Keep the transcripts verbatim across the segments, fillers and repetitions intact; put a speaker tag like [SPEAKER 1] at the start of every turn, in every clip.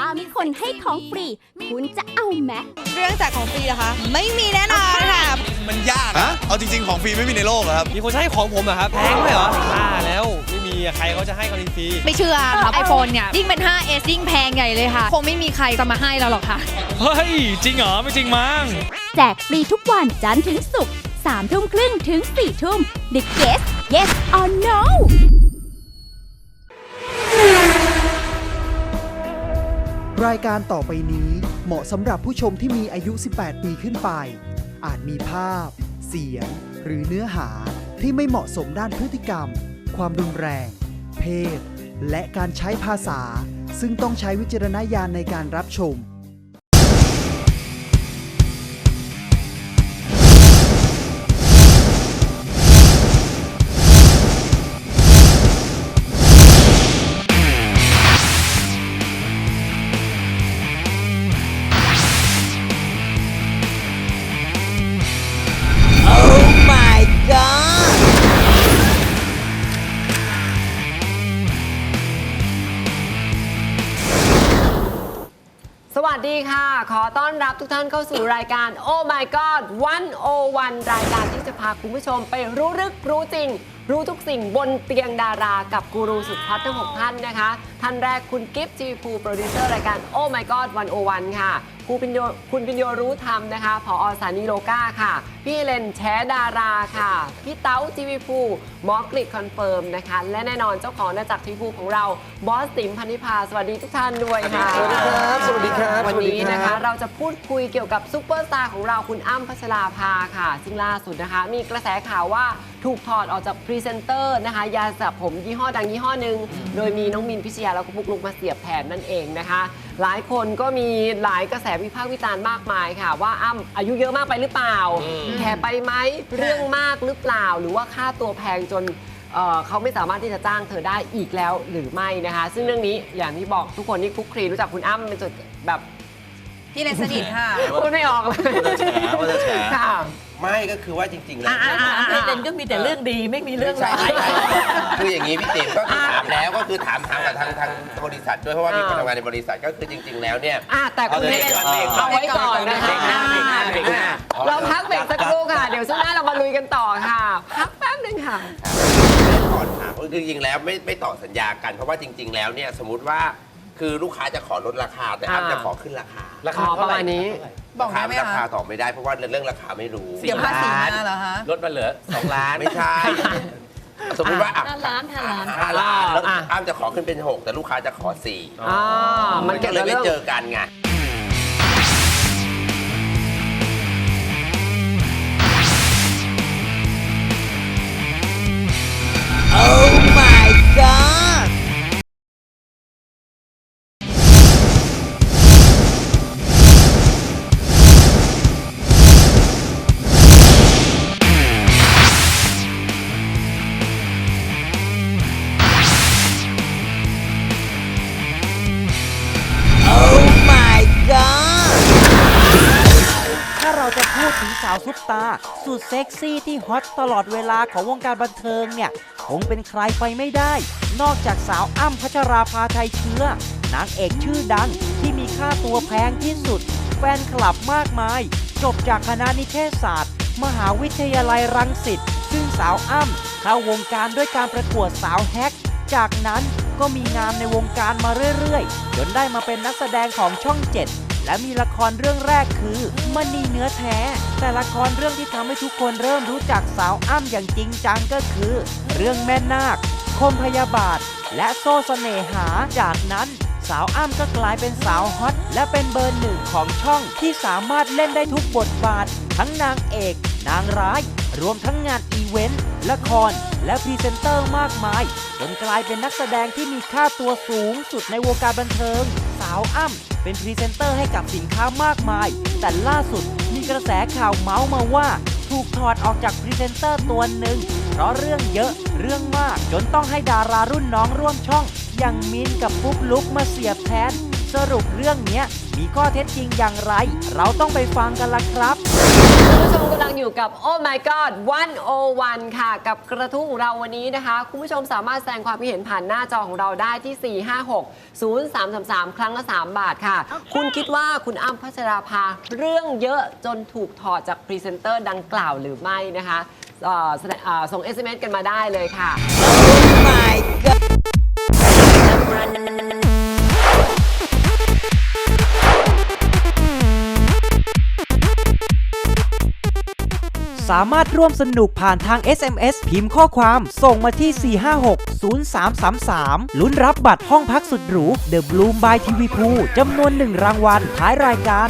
[SPEAKER 1] มีคนให้ของฟรีคุณจะเอาไหม
[SPEAKER 2] เรื่องแจกของฟรีนะคะไม่มีแน่นอนค่ะ
[SPEAKER 3] มันยากอะเอาจริงๆของฟรีไม่มีในโลกครับ
[SPEAKER 4] มีคนให้ของผมอะครับแพงด้วยเหรอบ้าแล้วไม่มีใครเขาจะให้กันฟรี
[SPEAKER 2] ไม่เชื่อครับ iPhone เนี่ยยิ่งเป็น ไฟว์ เอส ยิ่งแพงใหญ่เลยค่ะคงไม่มีใครจะมาให้เราหรอกค่ะ
[SPEAKER 4] เฮ้ยจริงเหรอไม่จริงมั้ง
[SPEAKER 1] แจกฟรีทุกวันจันทร์ถึงศุกร์สามทุ่มครึ่งถึงสี่ทุ่ม The Guest Yes or No
[SPEAKER 5] รายการต่อไปนี้เหมาะสำหรับผู้ชมที่มีอายุ สิบแปด ปีขึ้นไปอาจมีภาพเสียงหรือเนื้อหาที่ไม่เหมาะสมด้านพฤติกรรมความรุนแรงเพศและการใช้ภาษาซึ่งต้องใช้วิจารณญาณในการรับชม
[SPEAKER 6] สวัสดีค่ะขอต้อนรับทุกท่านเข้าสู่รายการ Oh My God หนึ่งศูนย์หนึ่ง รายการที่จะพาคุณผู้ชมไปรู้ลึกรู้จริงรู้ทุกสิ่งบนเตียงดารากับกูรูสุดฮอตทั้งหกท่านนะคะท่านแรกคุณกิฟต์จีภูโปรดิวเซอร์รายการ Oh My God หนึ่งศูนย์หนึ่ง ค่ะคุณพิญโยคุณพิญโยรู้ธรรมนะคะผอ.สถานีโลกาค่ะพี่เฮเลนแชดาราค่ะพี่เต้าจีวีภูหมอกริดคอนเฟิร์มนะคะและแน่นอนเจ้าของนาจักรทีวีภูของเราบอสติ๋มพันธิพาสวัสดีทุกท่านด้วยค่ะ
[SPEAKER 3] สวัสดีครับสวัสดีครับ
[SPEAKER 6] วันนี้นะคะเราจะพูดคุยเกี่ยวกับซุปเปอร์สตาร์ของเราคุณอ้ำพัชราภาค่ะซึ่งล่าสุดนะคะมีกระแสข่าวว่าถูกถอดออกจากพรีเซนเตอร์นะคะยาสระผมยี่ห้อดังยี่ห้อหนึ่งโดยมีน้องมินพิชยาแล้วก็ปุ๊กลุกมาเสียบแทนนั่นเองนะคะหลายคนก็มีหลายกระแสวิพากษ์วิจารณ์มากมายค่ะว่าอ้ำอายุเยอะมากไปหรือเปล่าแก่ไปไหมเรื่องมากหรือเปล่าหรือว่าค่าตัวแพงจนเเขาไม่สามารถที่จะจ้างเธอได้อีกแล้วหรือไม่นะคะซึ่งเรื่องนี้อย่างที่บอกทุกคนที่คุกคลีรู้จักคุณอ้ำเป็นจุดแบบ
[SPEAKER 2] พี่เลนสนิทค่ะ
[SPEAKER 6] พูดไม่ออกเลย
[SPEAKER 3] ว่าจะแฉ
[SPEAKER 6] ค่ะ
[SPEAKER 7] ไม่ก็คือว่าจริงๆแล้ว
[SPEAKER 8] พี่เลนก็มีแต่เรื่องดีไม่มีเรื่องร้าย
[SPEAKER 7] คืออย่างนี้พี่ติ๋มก็คือถามแล้วก็คือถามทางกับทางทางบริษัทด้วยเพราะว่ามีคนทำงานในบริษัทก็คือจริงๆแล้วเนี่ย
[SPEAKER 6] แต่คุณเลนเอาไว้ก่อนนะคะเราพักเบรกสักครู่ค่ะเดี๋ยวช่วงหน้าเรามาลุยกันต่อค่ะพักแป๊บนึงค่ะ
[SPEAKER 7] ก่อนถามจริงๆแล้วไม่ไม่ต่อสัญญากันเพราะว่าจริงๆแล้วเนี่ยสมมติว่าคือลูกค้าจะขอลดราคาแต่อ้ำจะขอขึ้นราคา
[SPEAKER 6] ราคาประมาณนี้
[SPEAKER 7] บอกได้ไหมคะราคาตอบไม่ได้เพราะว่าเรื่องราคาไม่รู้
[SPEAKER 2] เดี๋ยวภาษีมาเหรอคะ
[SPEAKER 4] ลดมาเหลือสองล้าน
[SPEAKER 7] ไม่ใช่สมมติว่า
[SPEAKER 8] ห้าล้านห้าล้าน
[SPEAKER 7] ห้าล้านแล้วอ้ำจะขอขึ้นเป็นหกแต่ลูกค้าจะขอสี่มันก็เลยไม่เจอกันไง
[SPEAKER 6] Oh my god
[SPEAKER 9] จะพูดถึงสาวซุปตาสุดเซ็กซี่ที่ฮอตตลอดเวลาของวงการบันเทิงเนี่ยคงเป็นใครไปไม่ได้นอกจากสาวอ้ำพัชราภาไทยเชื้อนางเอกชื่อดังที่มีค่าตัวแพงที่สุดแฟนคลับมากมายจบจากคณะนิเทศศาสตร์มหาวิทยาลัยรังสิตซึ่งสาวอ้ำเข้าวงการด้วยการประกวดสาวแฮกจากนั้นก็มีงานในวงการมาเรื่อยๆจนได้มาเป็นนักแสดงของช่องเจ็ดและมีละครเรื่องแรกคือมณีเนื้อแท้แต่ละครเรื่องที่ทำให้ทุกคนเริ่มรู้จักสาวอ้ำอย่างจริงจังก็คือเรื่องแม่นาคคมพยาบาทและโซ่เสน่หาจากนั้นสาวอ้ำก็กลายเป็นสาวฮอตและเป็นเบอร์หนึ่งของช่องที่สามารถเล่นได้ทุกบทบาททั้งนางเอกนางร้ายรวมทั้งงานอีเวนต์ละครและพรีเซนเตอร์มากมายจนกลายเป็นนักแสดงที่มีค่าตัวสูงสุดในวงการบันเทิงสาวอ้ำเป็นพรีเซนเตอร์ให้กับสินค้ามากมายแต่ล่าสุดมีกระแสข่าวเมาส์มาว่าถูกถอดออกจากพรีเซนเตอร์ตัวหนึ่งเพราะเรื่องเยอะเรื่องมากจนต้องให้ดารารุ่นน้องร่วมช่องอย่างมินกับปุ๊กลุกมาเสียบแทนสรุปเรื่องเนี้ยมีข้อเท็จจริงอย่างไร เราต้องไปฟังกันละครับ
[SPEAKER 6] คุณผู้ชมกำลังอยู่กับ Oh My God หนึ่งศูนย์หนึ่ง ค่ะ กับกระทู้ของเราวันนี้นะคะ คุณผู้ชมสามารถแสดงความคิดเห็นผ่านหน้าจอของเราได้ที่ สี่ ห้า หก ศูนย์ สาม สาม สาม ครั้งละ สาม บาทค่ะ คุณคิดว่าคุณอ้ำพัชราภาเรื่องเยอะจนถูกถอดจากพรีเซนเตอร์ดังกล่าวหรือไม่นะคะเอ่อแสดงเอ่อส่ง เอส เอ็ม เอส กันมาได้เลยค่ะ
[SPEAKER 9] สามารถร่วมสนุกผ่านทาง เอส เอ็ม เอส พิมพ์ข้อความส่งมาที่ สี่ ห้า หก ศูนย์ สาม สาม สาม ลุ้นรับบัตรห้องพักสุดหรู The Bloom by ที วี Pool จำนวนหนึ่งรางวัลท้ายรายการ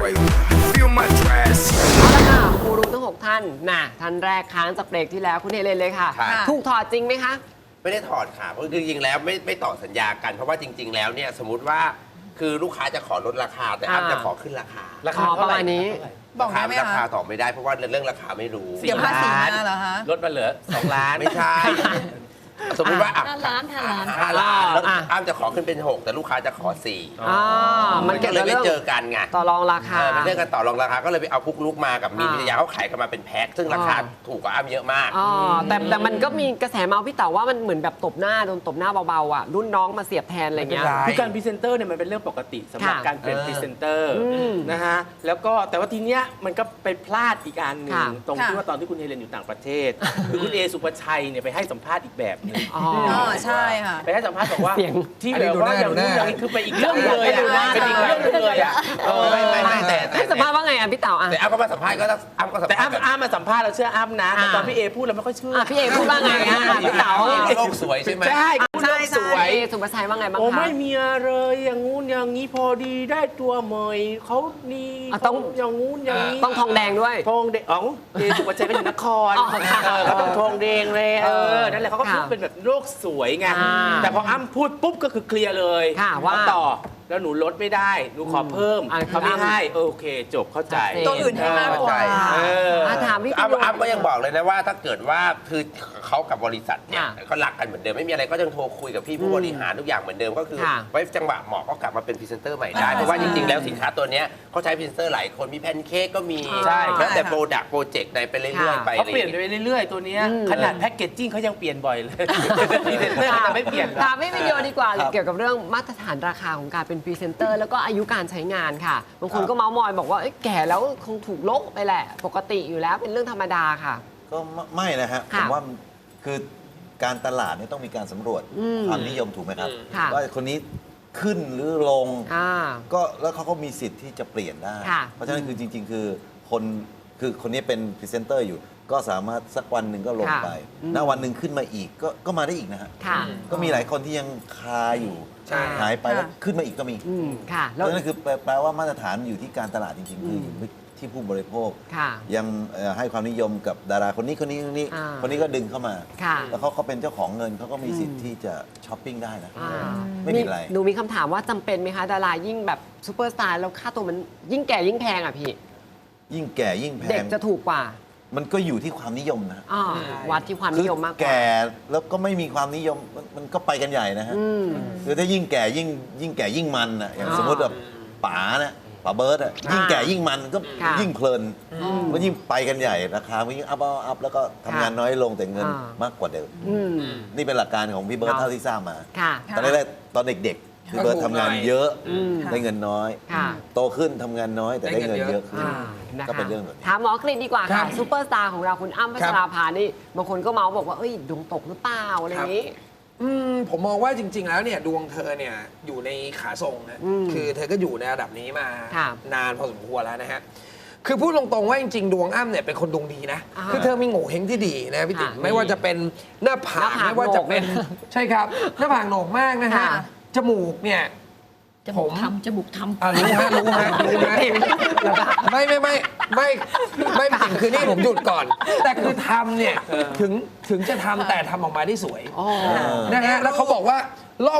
[SPEAKER 6] เอาละค่ะครูรู้ทั้งหกท่านน่ะท่านแรกค้างจากเบรกที่แล้วคุณเฮเลนเลยค่ะ
[SPEAKER 7] ค่ะ
[SPEAKER 6] ถูกถอดจริงไหมคะ
[SPEAKER 7] ไม่ได้ถอดค่ะเพราะจริงๆแล้วไม่ไม่ต่อสัญญากัน เพราะว่าจริง ๆ แล้วเนี่ยสมมติว่าคือลูกค้าจะขอลดราคาแต่อ้ำ
[SPEAKER 6] อ่า
[SPEAKER 7] จะขอขึ้นราคา
[SPEAKER 6] ราคาประมาณนี้
[SPEAKER 2] บอกได้ไหม
[SPEAKER 7] ราคา
[SPEAKER 2] คะ
[SPEAKER 7] ต่อไม่ได้เพราะว่าเรื่องราคาไม่รู้
[SPEAKER 2] เดี๋ยวภาษีมาเหรอคะ
[SPEAKER 4] ลดมาเหลือสองล้าน
[SPEAKER 7] ไม่ใช่ สมมติว่าอ่ะ
[SPEAKER 8] ห้าล้านห้าล้าน
[SPEAKER 7] ห้าล้านแล้ว
[SPEAKER 6] อ่ะ
[SPEAKER 7] อ้ำจะขอขึ้นเป็นหกแต่ลูกค้าจะขอสี่
[SPEAKER 6] อ่ามั
[SPEAKER 7] มัน น
[SPEAKER 6] เกี่
[SPEAKER 7] ก็
[SPEAKER 6] ยว
[SPEAKER 7] เล
[SPEAKER 6] กั
[SPEAKER 7] ย
[SPEAKER 6] บ
[SPEAKER 7] ไม่
[SPEAKER 6] เรื่อง
[SPEAKER 7] เจอกันไง
[SPEAKER 6] ต่อรองราคา
[SPEAKER 7] เออเป็นเรื่องการต่อรองราคาก็เลยไปเอาพุกลุกมากับมีน
[SPEAKER 6] อ่า
[SPEAKER 7] พิทยาเขาขายกันมาเป็นแพ็คซึ่งราคา
[SPEAKER 6] อ่า
[SPEAKER 7] ถูกกว่าอ้ำเยอะมาก
[SPEAKER 6] อ๋อแต่แต่มันก็มีกระแสเมาส์พี่เต๋าว่ามันเหมือนแบบตบหน้าโดนตบหน้าเบาๆอ่ะรุ่นน้องมาเสียบแทนอะไรเงี้ย
[SPEAKER 7] ไม่เป็นไร
[SPEAKER 4] คือการพรีเซนเตอร์เนี่ยมันเป็นเรื่องปกติสำหรับ
[SPEAKER 6] ค่ะ
[SPEAKER 4] การเป็น
[SPEAKER 7] เออ
[SPEAKER 4] พรีเซนเตอร์
[SPEAKER 6] อืม
[SPEAKER 4] นะฮะแล้วก็แต่ว่าทีเนี้ยมันก็ไปพลาดอีกอันหนึ่ง
[SPEAKER 6] ค่ะ
[SPEAKER 4] ตรง
[SPEAKER 2] ค่ะ
[SPEAKER 4] ที่ว่าตอนที่คุณเฮเลนอยู่ต่างประเทศ คือคุณเอสุภชัยเนี่ยไปให้สัมภาษณ์อีกแบบหนึง
[SPEAKER 6] อ๋อ
[SPEAKER 2] อ๋อใช่ค่ะ
[SPEAKER 4] ไปให้สัมภาษณ์บอกว่า
[SPEAKER 6] เสียง
[SPEAKER 4] ที่แบบว่าอย่างนู้นอย่างนี้คือไปอีกเรื่องหนึงเลย
[SPEAKER 6] ดูหน้า
[SPEAKER 4] อะเป็นอีกเรื่องหนึงเลยอ่ะเออ
[SPEAKER 7] ไม่ไม่ไม่แต่แต่
[SPEAKER 6] ให้สัมภาษณ์ว่าไงอ่ะพี่เต๋าอ่ะ
[SPEAKER 7] แต่อ้ำก็มาสัมภาษณ์ก็ต้องอ้ำก็สัม
[SPEAKER 4] แต่
[SPEAKER 7] ภาษณ์
[SPEAKER 4] อ้ำอ้ำมาสัมภาษณ์เราเชื่ออ้ำนะแต่ตอนพี่เอพูดเราไม่ค่อยเชื่อ
[SPEAKER 6] อ่ะพี่เอพูดว่าไงอ่ะพี่เต๋า
[SPEAKER 7] โลกสวยใช่ไหม
[SPEAKER 4] ใช่พูด
[SPEAKER 6] ใช่
[SPEAKER 4] โลก
[SPEAKER 6] ใช่
[SPEAKER 4] สวย
[SPEAKER 6] พี่เอสุภชัยว่าไงบ้าง
[SPEAKER 4] โอ้
[SPEAKER 6] คะ
[SPEAKER 4] ไม่มีอะไรอย่างงู้นอย่างนี้พอดีได้ตัวใหม่เขานี่
[SPEAKER 6] อ่ะต้อง
[SPEAKER 4] เขาอย่างงู้นอย่างนี้
[SPEAKER 6] ต้องทองแดงด้วย
[SPEAKER 4] ทองแดงอ๋อเอสุภชัยก็อยู่นคร
[SPEAKER 6] อ๋อค่ะ
[SPEAKER 4] เออเขาต้องทองแดงเลยเอ
[SPEAKER 6] เอ
[SPEAKER 4] อ
[SPEAKER 6] อ
[SPEAKER 4] นั่นแหละเขาก็
[SPEAKER 6] ค่ะ
[SPEAKER 4] พูดเป็นแบบโลกสวยไง
[SPEAKER 6] อ่า
[SPEAKER 4] แต่พออ้ำพูดปุ๊บก็คือเคลียร์เลย
[SPEAKER 6] ค่ะว่า
[SPEAKER 4] เอต่อแล้วหนูลดไม่ได้หนูขอเพิ่ม
[SPEAKER 6] อ่ะ
[SPEAKER 4] เขาไม่ให้เออโอเคจบเข้าใจ
[SPEAKER 6] ชัดเจน
[SPEAKER 2] ตัวอื่นให้มากกว่า
[SPEAKER 4] เออ
[SPEAKER 6] อ่ะถามพี่
[SPEAKER 7] อ้ำ
[SPEAKER 6] พี่
[SPEAKER 7] อ้ำก็ยังบอกเลยนะว่าถ้าเกิดว่าคือเขากับบริษัทเนี่ย
[SPEAKER 6] ค่ะ
[SPEAKER 7] เขารักกันเหมือนเดิมไม่มีอะไรก็ยังโทรคุยกับพี่ผู้บริหารทุกอย่างเหมือนเดิมก็คือ
[SPEAKER 6] ค่ะ
[SPEAKER 7] ไว้จังหวะเหมาะก็กลับมาเป็นพรีเซนเตอร์ใหม่ได้
[SPEAKER 2] อ่า
[SPEAKER 7] เพราะว่าจริงๆแล้วสินค้าตัวเนี้ยเขาใช้พรีเซนเตอร์หลายคนมีแพนเค้กก็มี
[SPEAKER 6] ใช่
[SPEAKER 7] แล้วแต่
[SPEAKER 2] ค่ะ
[SPEAKER 7] โปรดักต์โปรเจกต์ในไปเรื่อยๆไป
[SPEAKER 4] เขา
[SPEAKER 7] อะไรอ
[SPEAKER 4] เปลี่ย
[SPEAKER 7] ย่าน ง
[SPEAKER 4] ไป
[SPEAKER 7] เงี้ย
[SPEAKER 4] เรื่อยๆตัวเนี้ย
[SPEAKER 6] อืม
[SPEAKER 4] ขนาดแพ็กเกจจิ้งเขายังเปลี่ยนบ่อยเลยพรีเซนเตอร์เขาจะไม่เปลี่ยนหรอก
[SPEAKER 6] ถามพี่วิดีโอดีกว่าเกี่ยวกับเรื่องมาตรฐานราคาของการเป็นพรีเซนเตอร์แล้วก็อายุการใช้งานค่ะบางคนก็เมาส์มอยบอกว่าเอ้ยแก่แล้วคงถูกลกไปแหละ ปกติอยู่แล้วเป็นเรื่องธรรมดาค่ะ
[SPEAKER 10] ก็ไม่ไม่นะฮะผ
[SPEAKER 6] ค่ะ
[SPEAKER 10] มว่ามันคือการตลาดเนี่ยต้องมีการสำรวจ
[SPEAKER 6] อืม
[SPEAKER 10] ความนิยมถูกไหมครับ
[SPEAKER 6] ค่ะ
[SPEAKER 10] ว่าคนนี้ขึ้นหรือลง
[SPEAKER 6] อ่า
[SPEAKER 10] ก็แล้วเขาก็มีสิทธิ์ที่จะเปลี่ยนได้
[SPEAKER 6] ค่ะ
[SPEAKER 10] เพราะฉะนั้นคือจริง ๆ คือคนคือคนนี้เป็นพรีเซนเตอร์อยู่ ก็สามารถสักวันหนึ่งก็ลง
[SPEAKER 6] ค่ะ
[SPEAKER 10] ไป
[SPEAKER 6] อืม
[SPEAKER 10] ณวันหนึ่งขึ้นมาอีกก็ก็มาได้อีกนะฮะ
[SPEAKER 6] ค่ะ
[SPEAKER 10] ก็มีหลายคนที่ยังคาอยู่
[SPEAKER 7] ใช่
[SPEAKER 10] หายไปแล้ว
[SPEAKER 2] ค่ะ
[SPEAKER 10] ขึ้นมาอีกก็มี
[SPEAKER 6] อืมค่ะ
[SPEAKER 10] เพ
[SPEAKER 6] แล้ว
[SPEAKER 10] ราะฉะนั้นคือแปลแปลว่ามาตรฐานอยู่ที่การตลาดจริง ๆ คืออยู่ที่ผู้บริโภค
[SPEAKER 6] ค่ะ
[SPEAKER 10] ยังเอ่อให้ความนิยมกับดาราคนนี้คนนี้คนนี้
[SPEAKER 6] อ่า
[SPEAKER 10] คนนี้ก็ดึงเข้ามา
[SPEAKER 6] ค่ะ
[SPEAKER 10] แล้วเขาเขาเป็นเจ้าของเงินเขาก็มีสิทธิ์ที่จะช้อปปิ้งได้นะ
[SPEAKER 6] อ่า
[SPEAKER 10] ไม่มีอะไร
[SPEAKER 6] หนูมีคำถามว่าจำเป็นไหมคะ ดารายิ่งแบบซูเปอร์สตาร์แล้วค่าตัวมันยิ่งแก่ยิ่งแพงอ่ะพี่
[SPEAKER 10] ยิ่งแก่ยิ่งแพ
[SPEAKER 6] เด็ก
[SPEAKER 10] ง
[SPEAKER 6] จะถูกกว่า
[SPEAKER 10] มันก็อยู่ที่ความนิยมนะ
[SPEAKER 6] อ่าวัดที่ความนิยมมากกว่า
[SPEAKER 10] แก่แล้วก็ไม่มีความนิยมมันมันก็ไปกันใหญ่นะฮะ
[SPEAKER 6] อืม
[SPEAKER 10] คือถ้ายิ่งแก่ยิ่งยิ่งแก่ยิ่งมันอ่ะอย่าง
[SPEAKER 6] อ่า
[SPEAKER 10] สมมติแบบป๋านะป๋าเบิร์ดอ่ะยิ่งแก่ยิ่งมันก็
[SPEAKER 6] ค่ะ
[SPEAKER 10] ยิ่งเพลินก็ยิ่งไปกันใหญ่ราคามันยิ่งอัพอัพอัพแล้วก็ทำงานน้อยลงแต่เงิน
[SPEAKER 6] อ่าม
[SPEAKER 10] มากกว่าเดิม
[SPEAKER 6] อืม
[SPEAKER 10] นี่เป็นหลักการของพี่เบิร์ด
[SPEAKER 6] ครับ
[SPEAKER 10] เท่าที่ทราบมา
[SPEAKER 6] ค่ะ
[SPEAKER 10] ตอนแรกๆตอนเด็กๆพี่เบิร์ดทำงานเยอะ
[SPEAKER 6] อืม
[SPEAKER 10] ได้เงินน้อย
[SPEAKER 6] ค่ะ
[SPEAKER 10] โตขึ้นทำงานน้อยแต่ได้เงินเยอะขึ้น
[SPEAKER 6] อ่านะคะ
[SPEAKER 10] ก็เป็นเรื่องแบบนี้
[SPEAKER 6] ถามหมอกฤษดีกว่าค่ะซูเปอร์สตาร์ของเราคุณอ้ำพัชราภานี่บางคนก็เมาส์บอกว่าเอ้ยดวงตกหรือเปล่าอะไรอย่างนี้
[SPEAKER 11] อืมผมมองว่าจริง ๆ แล้วเนี่ยดวงเธอเนี่ยอยู่ในขาทรงนะ
[SPEAKER 6] อืม
[SPEAKER 11] คือเธอก็อยู่ในระดับนี้มา
[SPEAKER 6] ครับ
[SPEAKER 11] นานพอสมควรแล้วนะฮะคือพูดตรงๆว่าจริงๆดวงอ้ำเนี่ยเป็นคนดวงดีนะ
[SPEAKER 6] อ่า
[SPEAKER 11] คือเธอมีโง่เฮงที่ดีนะพี่ติ๋ม
[SPEAKER 6] ค่ะ
[SPEAKER 11] ไม่ว่าจะเป็นหน้าผาก
[SPEAKER 6] หน้าผาก
[SPEAKER 11] ไม่ว่าจะเป็น
[SPEAKER 6] โหนก
[SPEAKER 11] ใช่ครับ หน้าผากโหนกมากนะฮะ
[SPEAKER 6] ค่ะ
[SPEAKER 11] จมูกเนี่ย
[SPEAKER 8] จมูกทำจมูกทำ
[SPEAKER 11] อ่ารู้ฮะรู้ฮะรู้ฮะไม่ไม่ไม่ไม่ไม่ไม่จริงคือนี่ผมหยุดก่อน แต่คือทำเนี่ยถึงถึงจะทำแต่ทำออกมาได้สวย
[SPEAKER 6] อ๋อ
[SPEAKER 11] นะฮะแล้วเขาบอกว่าล่อง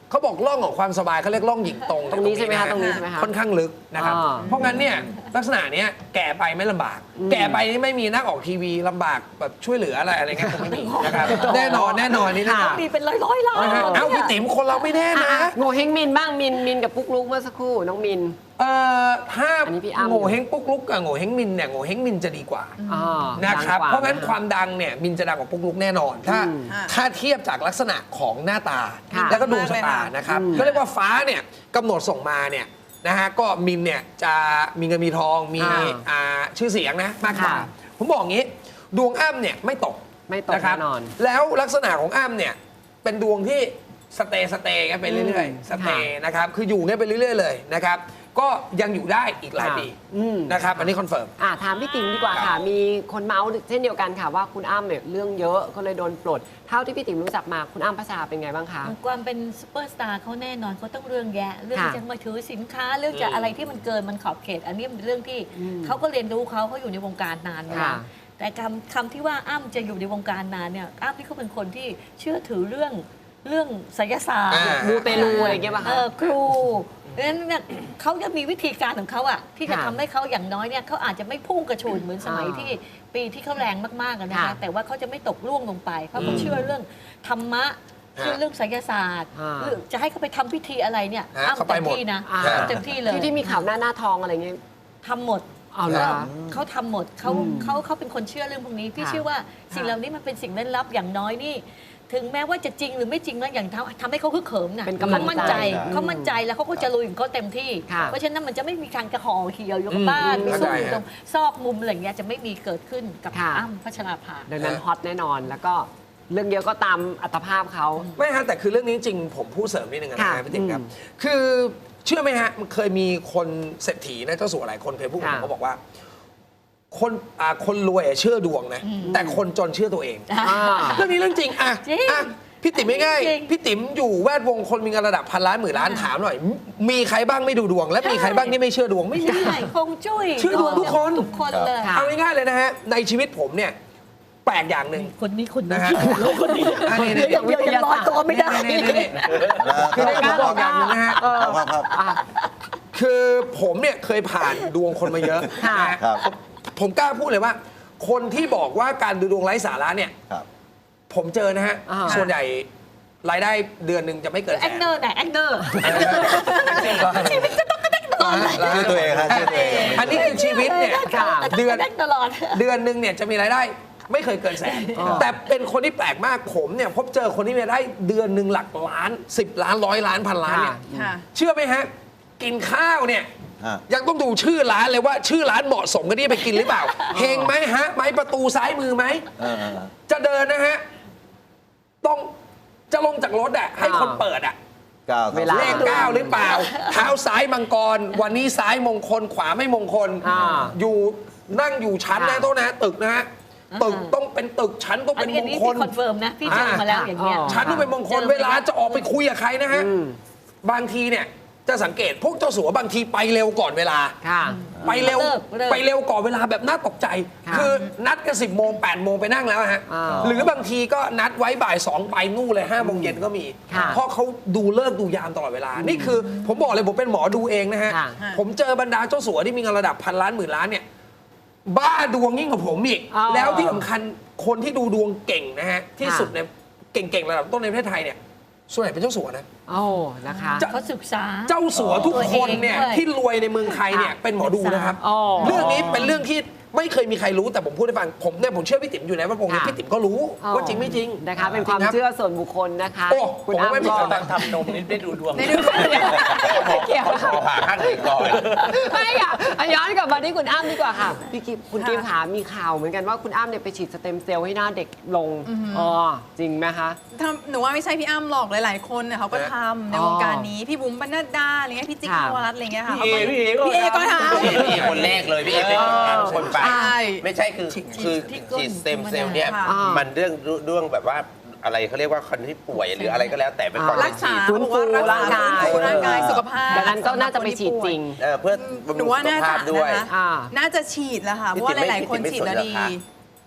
[SPEAKER 11] เขาบอกร่องของความสบายเขาเรียกร่องหญิงตรง
[SPEAKER 6] ตรงนี้ใช่ไหมคะตรงนี้ใช่ไหมคะ
[SPEAKER 11] ค่อนข้างลึกนะครับ
[SPEAKER 6] อ่า
[SPEAKER 11] เพราะงั้นเนี่ยลักษณะเนี้ยแก่ไปไม่ลำบาก แก่ไปนี่ไม่มีนักออกทีวีลำบากแบบช่วยเหลืออะไรอะไรเงี้ยคงไม่มีนะครับแน่นอนแน่นอนนี่นะ
[SPEAKER 8] มีเป็นร้อยร้อยๆล้าน
[SPEAKER 11] นะฮะเอ้าพี่ติ๋มคนเราไม่แน่นะ
[SPEAKER 6] อ่ะโง่เฮงมินบ้างมินมินกับปุ๊กลุกเมื่อสักครู่น้องมิน
[SPEAKER 11] เอ่อถ้า
[SPEAKER 6] อันนี้พี่อ้ำ
[SPEAKER 11] โง่เฮงปุ๊กลุกกับโง่เฮงมินเนี่ยโง่เฮงมินจะดีกว่า
[SPEAKER 6] อ่า
[SPEAKER 11] นะครับ
[SPEAKER 6] ดังก
[SPEAKER 11] เพราะงั้นความดังเนี่ยมินจะดังกว่าปุ๊กลุกแน่นอน ถ้า
[SPEAKER 6] อืม
[SPEAKER 11] ถ้าเทียบจากลักษณะของหน้าตา
[SPEAKER 6] ค่ะ
[SPEAKER 11] แล้วก็ดวงชะตานะครับ
[SPEAKER 6] อืม
[SPEAKER 11] ก็เรียกว่าฟ้าเนี่ยกำหนดส่งมาเนี่ยนะฮะก็มินเนี่ยจะมีเงินมีทองมี
[SPEAKER 6] อ่า
[SPEAKER 11] อ่าชื่อเสียงนะมากกว่า
[SPEAKER 6] ค่ะ
[SPEAKER 11] ผมบอกงี้ดวงอ้ำเนี่ยไม่ตก
[SPEAKER 6] ไม่ตก
[SPEAKER 11] นะครับ
[SPEAKER 6] แน่นอน
[SPEAKER 11] แล้วลักษณะของอ้ำเนี่ยเป็นดวงที่สเตย์สเตย์กันไปเรื่อยๆสเตย์นะครับคืออยู่กันไปเรื่อยๆเลยนะครับก็ยังอยู่ได้อีกหลายปี
[SPEAKER 6] อืม
[SPEAKER 11] นะครับอันนี้คอนเฟิร์ม
[SPEAKER 6] อ่ะถามพี่ติ๋มดีกว่าค่ะ มีคนเมาส์เช่นเดียวกันค่ะว่าคุณอ้ำเนี่ยเรื่องเยอะก็เลยโดนปลด เท่าที่พี่ติ๋มรู้จักมาคุณอ้ำพัชราเป็นไงบ้างคะ
[SPEAKER 8] ความเป็นซูเปอร์สตาร์เขาแน่นอนเขาต้องเรื่องแยะ เรื่อง
[SPEAKER 6] ค่ะ
[SPEAKER 8] จะมาถือสินค้าเรื่องจะอะไรที่มันเกินมันขอบเขต อันนี้เป็นเรื่องที่
[SPEAKER 6] อืม
[SPEAKER 8] เขาก็เรียนรู้เขาเขาอยู่ในวงการนานมา
[SPEAKER 6] ค่ะ
[SPEAKER 8] แต่คำคำที่ว่าอ้ำจะอยู่ในวงการนานเนี่ยอ้ำที่เขาเป็นคนที่เชื่อถือเรื่องเรื่องไสยศาสตร์
[SPEAKER 11] อ่า
[SPEAKER 6] มูเตลูอะไรอย่างเงี้ยป่ะ
[SPEAKER 8] เอ
[SPEAKER 6] คะ
[SPEAKER 8] อครูดังนั้นเนี่ยเขาจะมีวิธีการของเขาอะที่จะ
[SPEAKER 6] ค่ะ
[SPEAKER 8] ทำให้เขาอย่างน้อยเนี่ยเขาอาจจะไม่พุ่งกระฉูดเหมือนสมัย
[SPEAKER 6] อ่า
[SPEAKER 8] ที่ปีที่เขาแรงมากๆอะนะคะ
[SPEAKER 6] ค่ะ
[SPEAKER 8] แต่ว่าเขาจะไม่ตกล่วงลงไปเพราะเขาเชื่อเรื่องธรรมะเชื่อเรื่องไสยศาสตร์
[SPEAKER 6] อ่า
[SPEAKER 8] หรือจะให้เขาไปทำพิธีอะไรเนี่ย
[SPEAKER 11] ฮะ
[SPEAKER 8] อ้ำ
[SPEAKER 11] เขาไป
[SPEAKER 8] เต็ม
[SPEAKER 11] หมด
[SPEAKER 8] ที่นะ
[SPEAKER 6] อ่า
[SPEAKER 8] อ้ำเต็มที่เลย
[SPEAKER 6] ที่ที่มีข่าวหน้าหน้าทองอะไรเงี้ย
[SPEAKER 8] ทำหมด
[SPEAKER 6] เอาเหรอคะ
[SPEAKER 8] เขาทำหมดเขา
[SPEAKER 6] อืม
[SPEAKER 8] เขาเขาเป็นคนเชื่อเรื่องพวกนี้พี่
[SPEAKER 6] ค่ะ
[SPEAKER 8] เชื่อว่าสิ่งเหล่านี้มันเป็นสิ่งลึกลับอย่างน้อยนี่ ถึงแม้ว่าจะจริงหรือไม่จริงนะอย่างทำทำให้เขาคึกเขิมนะ
[SPEAKER 6] เป็นกำลัง
[SPEAKER 8] เขามั่นใจ
[SPEAKER 6] ใจ
[SPEAKER 8] เขามั่นใจแล้วเขาก็จะลุยของเขาเต็มที่
[SPEAKER 6] ค่ะ
[SPEAKER 8] เพราะฉะนั้นมันจะไม่มีการกระห่อเหี่ยวอยู่กับบ้าน
[SPEAKER 11] อืม
[SPEAKER 8] ไปซุ่มอยู่
[SPEAKER 11] เข้าใจ
[SPEAKER 8] ตรงซอกมุมอะไรอย่างเงี้ยจะไม่มีเกิดขึ้นกับ
[SPEAKER 6] ค่ะ
[SPEAKER 8] อ้ำพัชราภา
[SPEAKER 6] ดังนั้นฮอตแน่นอนแล้วก็เรื่องเยอะก็ตามอัตภาพเขา
[SPEAKER 11] ไม่ฮะแต่คือเรื่องนี้จริงผมพูดเสริมนิดนึงนะ
[SPEAKER 6] ค่ะ
[SPEAKER 11] ฮะพี่ติ๋มครับ
[SPEAKER 6] อืม
[SPEAKER 11] คือเชื่อไหมฮะมันเคยมีคนเศรษฐีนะเจ้าสัวหลายคนเคยพูดกับผม
[SPEAKER 6] ค่ะ
[SPEAKER 11] เขาบอกว่า คนอ่าคนรวยอะเชื่อดวงนะ แต่คนจนเชื่อตัวเอง
[SPEAKER 6] อ่า
[SPEAKER 11] เรื่องนี้เรื่องจริงอ่ะ
[SPEAKER 8] จริง
[SPEAKER 11] อ่ะพี่ติ๋มง่าย
[SPEAKER 8] จริง
[SPEAKER 11] ๆพี่ติ๋มอยู่แวดวงคนมีเงินระดับพันล้านหมื่นล้านถามหน่อย มีใครบ้างไม่ดูดวง และมีใครบ้างที่ไม่เชื่อดวงไม่มี
[SPEAKER 8] ใช่คงจุ้ย
[SPEAKER 11] เชื่อดวงทุกคน
[SPEAKER 8] ทุกคนเลย
[SPEAKER 6] ค่ะ
[SPEAKER 11] เอาง่ายๆเลยนะฮะในชีวิตผมเนี่ยแปลกอย่างหนึ่ง
[SPEAKER 8] คนนี้คน
[SPEAKER 11] นะ
[SPEAKER 8] นี้
[SPEAKER 11] ฮะ
[SPEAKER 8] แล้วคนนี้
[SPEAKER 11] อันนี้
[SPEAKER 8] เดี๋ยวอย่างเดียวยังลอยตัวไม่ได้
[SPEAKER 11] นี่นี่นี่คือได้ผมบอกอย่างหนึงนะฮะ
[SPEAKER 10] ครับครับครับ
[SPEAKER 6] อ่ะ
[SPEAKER 11] คือผมเนี่ยเคยผ่านดวงคนมาเยอะ
[SPEAKER 6] ค่ะ
[SPEAKER 11] นะฮะ
[SPEAKER 10] ครับ
[SPEAKER 11] ผมผมกล้าพูดเลยว่า คนที่บอกว่าการดูดวงไร้สาระเนี่ย
[SPEAKER 10] ครับ
[SPEAKER 11] ผมเจอนะฮะ
[SPEAKER 6] อ่า
[SPEAKER 11] ส่วนใหญ่รายได้เดือนหนึ่งจะไม่เกินแส
[SPEAKER 8] แอคน เนอร์ไหนแอคเนอร์
[SPEAKER 11] ชีวิตจะต้องกระแทกตลอด
[SPEAKER 10] ชื่อตัวเองครับชื่อตัวเอง
[SPEAKER 11] อันนี้คือชีวิตเนี่ย
[SPEAKER 6] ค่ะ
[SPEAKER 11] เดือน
[SPEAKER 8] แตลอด
[SPEAKER 11] เดือนหนึ่งเนี่ยจะมีรายได้ไม่เคยเกินแสน
[SPEAKER 6] อ๋อ
[SPEAKER 11] แต่เป็นคนที่แปลกมากผมเนี่ยพบเจอคนที่มีรายได้เดือนหนึ่งหลักล้านสิบล้านร้อยล้านพันล้านเนี่ย
[SPEAKER 6] ค่ะ
[SPEAKER 11] เชื่อไหมฮะ กินข้าวเนี่ย
[SPEAKER 10] ฮะ
[SPEAKER 11] ยังต้องดูชื่อร้านเลยว่าชื่อร้านเหมาะสมกับที่จะไปกินหรือเปล่า เฮงไหมฮะ ไม้ประตูซ้ายมือไหม
[SPEAKER 10] เออเออ
[SPEAKER 11] จะเดินนะฮะ ต้องจะลงจากรถอ่ะให้คนเปิดอ่ะ
[SPEAKER 10] เก้า
[SPEAKER 6] เวลา
[SPEAKER 11] เลขเก้าหรือเปล่า เท้าซ้ายมังกร วันนี้ซ้ายมงคลขวาไม่มงคล
[SPEAKER 6] อ่า
[SPEAKER 11] อยู่นั่งอยู่ชั้นนะ
[SPEAKER 6] ค่ะ
[SPEAKER 11] โต๊ะนะตึกนะฮะตึกต้องเป็นตึกชั้นต้อง
[SPEAKER 8] อั
[SPEAKER 11] เป็น น
[SPEAKER 8] นี้
[SPEAKER 11] ม
[SPEAKER 8] อัน
[SPEAKER 11] ง
[SPEAKER 8] นี้
[SPEAKER 11] ค
[SPEAKER 8] ที่
[SPEAKER 11] ล
[SPEAKER 8] คอนเฟิร์มนะ พี่เจอมาแล้วอย่างเงี้ย
[SPEAKER 6] อ๋อ
[SPEAKER 11] ชั้นต้องเป็นมงคล
[SPEAKER 8] เจอ
[SPEAKER 11] เวลาจะออกไปคุยกับใครนะฮะ
[SPEAKER 6] อืม
[SPEAKER 11] บางทีเนี่ยจะสังเกตพวกเจ้าสัวบางทีไปเร็วก่อนเวลา
[SPEAKER 6] ค่ะ
[SPEAKER 11] ไปเร็ว
[SPEAKER 8] เลิกเลิก
[SPEAKER 11] ไปเร็วก่อนเวลาแบบน่าตกใจ
[SPEAKER 6] ค่ะ
[SPEAKER 11] คือนัดกันสิบโมงแปดโมงไปนั่งแล้วฮะ
[SPEAKER 6] อ่า
[SPEAKER 11] หรือบางทีก็นัดไว้บ่ายสองไปนู่นเลยห้าโมงเย็นก็มี
[SPEAKER 6] ค่ะ
[SPEAKER 11] เพราะเขาดูเลิกดูยามตลอดเวลา นี่คือผมบอกเลยผมเป็นหมอดูเองนะฮะ
[SPEAKER 6] ค่ะ
[SPEAKER 11] ผมเจอบรรดาเจ้าสัวที่มีเงินระดับพันล้านหมื่นล้านเนี่ย บ้าดวงยิ่งกว่าผมอีก
[SPEAKER 6] อ๋อ
[SPEAKER 11] แล้วที่สำคัญคนที่ดูดวงเก่งนะฮะ ที่
[SPEAKER 6] ค่ะ
[SPEAKER 11] สุดในเก่งๆระดับต้นในประเทศไทยเนี่ยส่วนใหญ่เป็นเจ้าสัวนะ
[SPEAKER 6] โอ้นะคะ
[SPEAKER 8] เขาศึกษา
[SPEAKER 11] เจ้าสัวทุกคนเนี่ย
[SPEAKER 8] ตัวเองด้วย
[SPEAKER 11] ที่รวยในเมืองไทยเนี่ยเป็นหมอดูนะครับ
[SPEAKER 6] อ๋อ
[SPEAKER 11] เรื่องนี้เป็นเรื่องที่ไม่เคยมีใครรู้แต่ผมพูดให้ฟังผมเนี่ยผมเชื่อพี่ติ๋มอยู่ในแวดวงนี้
[SPEAKER 6] ค่ะ
[SPEAKER 11] พี่ติ๋มก็รู้ว่าจริงไม่จริง
[SPEAKER 6] นะคะ เป็นความ
[SPEAKER 11] จริงรับ
[SPEAKER 6] เชื่อส่วนบุคคลนะคะ
[SPEAKER 11] โอ้
[SPEAKER 6] คุณ
[SPEAKER 11] ผมว่าไม่
[SPEAKER 6] อ้ำ
[SPEAKER 11] ผิด
[SPEAKER 6] ก็
[SPEAKER 11] นะ
[SPEAKER 7] ทำนมนี่ได้ดูดวง
[SPEAKER 6] ไม่ดูไม่เกี่ยว
[SPEAKER 7] ขอผ่าข้างไหนก่อน
[SPEAKER 6] ไม่ค่ะอ่ะย้อนกลับมาที่คุณอ้ำดีกว่าค่ะ พี่กิฟคุณกิฟขามีข่าวเหมือนกันว่าคุณอ้ำเนี่ยไปฉีดสเต็มเซลล์ให้หน้าเด็กลงอ๋อจริงไหมคะ
[SPEAKER 12] ทำหนูว่าไม่ใช่พี่อ้ำหรอกหลายๆคนเนี่ยเขาก็ทำในวงการนี้พี่บุ๋มปนัดดาอะไรเงี้ยพี่จิ๊ก
[SPEAKER 6] ค่ะ
[SPEAKER 12] นวรัตน์อะไรเงี้ยค่ะ
[SPEAKER 7] พี่เอ
[SPEAKER 12] ขาก็
[SPEAKER 7] พี่เอก็
[SPEAKER 12] พี่เอก็ทำ
[SPEAKER 7] พี่เอพี่เอคนแรกเลยพี่เอเป็นคนไป
[SPEAKER 12] ใช่
[SPEAKER 7] ไม่ใช่คือคือฉีดสเต็มเซลล์เนี่ย
[SPEAKER 12] ค่ะ
[SPEAKER 7] มันเรื่องเรื่องแบบว่าอะไรเขาเรียกว่าคนที่ป่วยหรืออะไรก็แล้วแต่เป็นก่อน
[SPEAKER 12] รักษา
[SPEAKER 6] ฟื้นฟู
[SPEAKER 12] บอกว่า
[SPEAKER 6] ร่างกาย
[SPEAKER 12] ฟื้นฟูร่างกายสุขภาพ
[SPEAKER 6] ดังนั้นก็น่าจะไปฉีดจริง
[SPEAKER 7] เออเพื่อบำ
[SPEAKER 12] หนู
[SPEAKER 7] รุง
[SPEAKER 12] ว่า
[SPEAKER 7] สุข
[SPEAKER 12] น่า
[SPEAKER 7] ภา
[SPEAKER 12] จะ
[SPEAKER 7] พด้วย
[SPEAKER 12] นะคะ
[SPEAKER 6] อ่า
[SPEAKER 12] น่าจะฉีดแล้วค่ะเพราะว่าหลายๆคนฉีดแล้วดี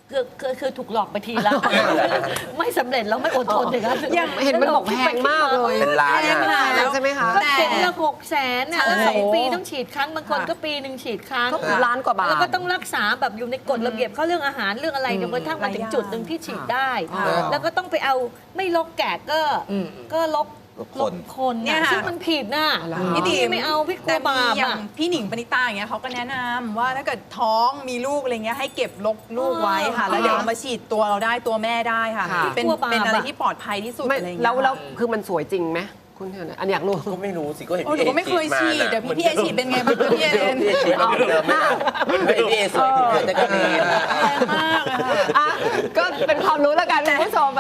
[SPEAKER 8] คือคือคือถูกหลอกไปทีแล้ว ไม่สำเร็จแล้วไม่อดทนอย่างนั้น
[SPEAKER 6] เห็นมันบอกแพงมากเลย
[SPEAKER 7] เป็นล้าน
[SPEAKER 6] แพงมากใช่ไหมคะ
[SPEAKER 8] ก็เข็มละหกแสนน่ะแล้ว
[SPEAKER 6] ใช่
[SPEAKER 8] สองปีต้องฉีดครั้งบางคนก็ปีหนึ่งฉีดครั้ง
[SPEAKER 6] ก็ล้านกว่าบาท
[SPEAKER 8] แล้วก็ต้องรักษาแบบอยู่ในกฎระเบียบเขาเรื่องอาหารเรื่องอะไรจนกระทั่งมาถึงจุดหนึ่งที่ฉีดได้
[SPEAKER 6] ค่ะ
[SPEAKER 8] แล้วก็ต้องไปเอาไม่ลกแกะก็ก็ลก
[SPEAKER 10] คน
[SPEAKER 8] คน
[SPEAKER 12] เนี่
[SPEAKER 8] เนี่ย ย
[SPEAKER 12] ค่ะ
[SPEAKER 8] ซึ่งมันผิดน่ะ
[SPEAKER 12] พี่ติ๋ม
[SPEAKER 8] ไม่เอาพี่กลั
[SPEAKER 12] แต่
[SPEAKER 8] วบาป
[SPEAKER 12] อย่าง
[SPEAKER 8] อ่ะ
[SPEAKER 12] พี่หนิงปณิตาอย่างเงี้ยเขาก็แนะนำว่าถ้าเกิดท้องมีลูกอะไรเงี้ยให้เก็บลกลูกไว้ค่ะ แล้วเดี๋ยวเอามาฉีดตัวเราได้ตัวแม่ได้ค่ะ
[SPEAKER 6] ค่ะ
[SPEAKER 12] เป็น
[SPEAKER 8] กลัวบาป
[SPEAKER 12] เป็นอะไร
[SPEAKER 8] อะ
[SPEAKER 12] ที่ปลอดภัยที่สุด
[SPEAKER 6] ไม่
[SPEAKER 12] อะไรเงี้ย
[SPEAKER 6] แล้วแล้วคือมันสวยจริงไหมคุณเห็นอันอยากรู้
[SPEAKER 7] ก็ไม่รู้สิก็เห็น
[SPEAKER 12] โอ้ห
[SPEAKER 7] พี่
[SPEAKER 12] นู
[SPEAKER 7] เอ
[SPEAKER 12] ก็ไม่เคยฉีด
[SPEAKER 7] มา
[SPEAKER 12] เดี๋ยวพี่พี่เอฉีดเป็นไงบ้างพี่เอเลน
[SPEAKER 7] พี่เอฉีดมาเหมือนเดิมไหมไม่พี่เอสวยขึ้นเลยแต่ก็ดี
[SPEAKER 12] แรงมากอะค่ะ
[SPEAKER 6] อ่ะก็เป็นความรู้แล้วกันคุณผู้ชม